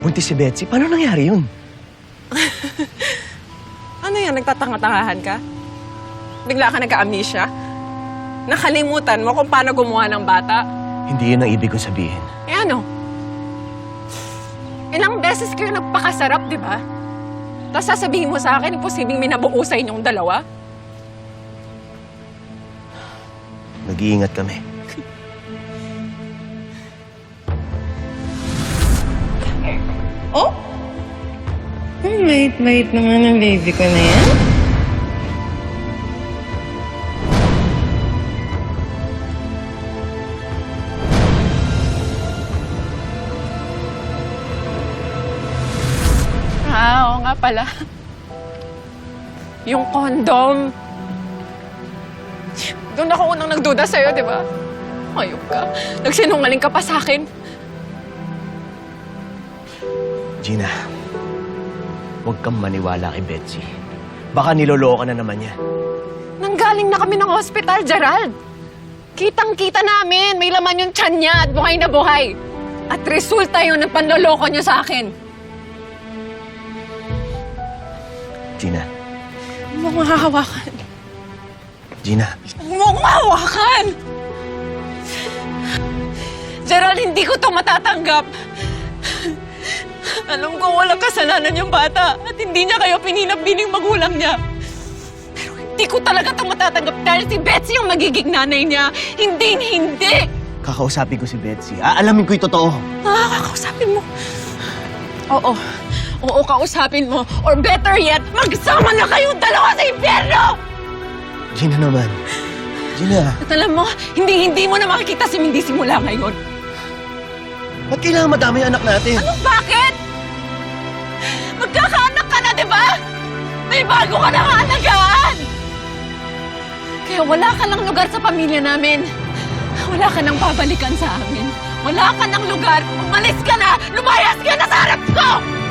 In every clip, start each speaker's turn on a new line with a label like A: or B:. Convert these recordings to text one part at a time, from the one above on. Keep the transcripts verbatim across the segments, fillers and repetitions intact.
A: Buntis si Betsy? Paano nangyari yun?
B: Ano yan, nagtatanga-tangahan ka? Bigla ka nagka-amnesia? Nakalimutan mo kung paano gumawa ng bata?
A: Hindi yun ang ibig kong sabihin.
B: Eh ano? Ilang beses kayo nagpakasarap, di ba? Tapos sasabihin mo sa akin, imposibleng may nabuo sa inyong dalawa?
A: Nag-iingat kami.
C: Oh? Ang late-late naman ang baby ko na yan.
B: Ah, oo nga pala. Yung condom. Doon ako unang nagduda sa'yo, di ba? Ayok ka. Nagsinungaling ka pa sa akin.
A: Gina, huwag kang maniwala kay Betsy. Baka niloloko na naman niya.
B: Nanggaling na kami ng hospital, Gerald. Kitang-kita namin. May laman yung tiyan niya at buhay na buhay. At resulta yun ng panloloko niya sa akin.
A: Gina.
B: Huwag mo akong hahawakan.
A: Gina.
B: Huwag mo akong hahawakan! Gerald, hindi ko to matatanggap. Alam ko walang kasalanan yung bata at hindi niya kayo pininabining magulang niya. Pero hindi ko talaga ito matatanggap dahil si Betsy yung magiging nanay niya. Hindi, hindi!
A: Kakausapin ko si Betsy. Aalamin ko yung totoo.
B: Ah, kakausapin mo. Oo. Oo, kausapin mo. Or better yet, magsama na kayong dalawa sa impyerno!
A: Gina naman. Gina.
B: At alam mo, hindi-hindi mo na makikita si Mindy simula ngayon.
A: Ba't kailangan madami yung anak natin?
B: Ano, bakit? Magkakaanak ka na, di ba? May bago ka na alagaan! Kaya wala ka ng lugar sa pamilya namin. Wala ka nang babalikan sa amin. Wala ka ng lugar. Umalis ka na! Lumayas ka na sa harap ko!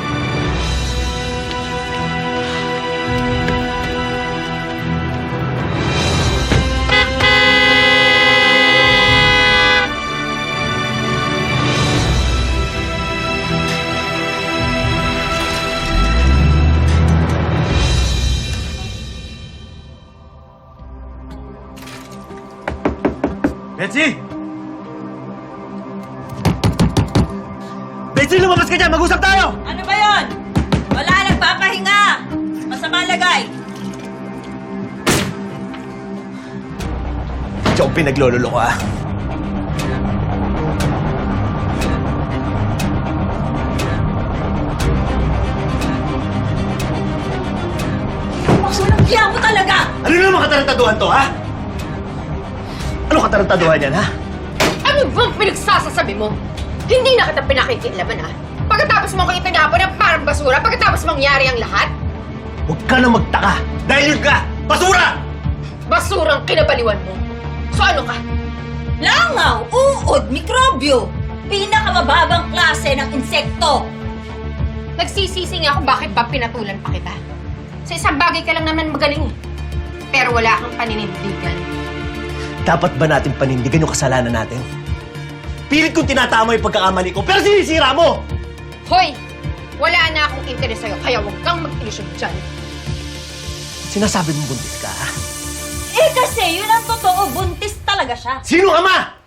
A: Betsy! Betsy, lumabas ka dyan! Mag-usap tayo!
D: Ano ba yon? Wala, nagpapahinga! Masama lagay!
A: Diyan ko pinaglololo ka.
D: Walang hiya mo talaga!
A: Ano naman katarantaduhan to, ha? Ano katarantaduhan yan, ha?
C: Ano bang pinagsasasabi mo? Hindi na kita pinakikilaban, ha? Pagkatapos mo ko itinapon ng parang basura, pagkatapos mangyari ang lahat,
A: Huwag ka na magtaka! Dahil yun ka! Basura!
C: basurang kinabaliwan mo. So ano ka?
D: Langaw, uod, mikrobyo! Pinakamababang klase ng insekto!
C: Nagsisisi nga kung bakit ba pinatulan pa kita. Sa isang bagay ka lang naman magaling, eh. Pero wala kang paninindigan.
A: Dapat ba natin panindigan yung kasalanan natin? Pilit kong tinatama yung pagkakamali ko, pero sinisira mo!
C: Hoy! Wala na akong interes sa'yo, kaya huwag kang mag-ilusyon dyan.
A: Sinasabi mong buntis ka, ha?
D: Eh kasi yun ang totoo, buntis talaga siya!
A: Sino ka ma?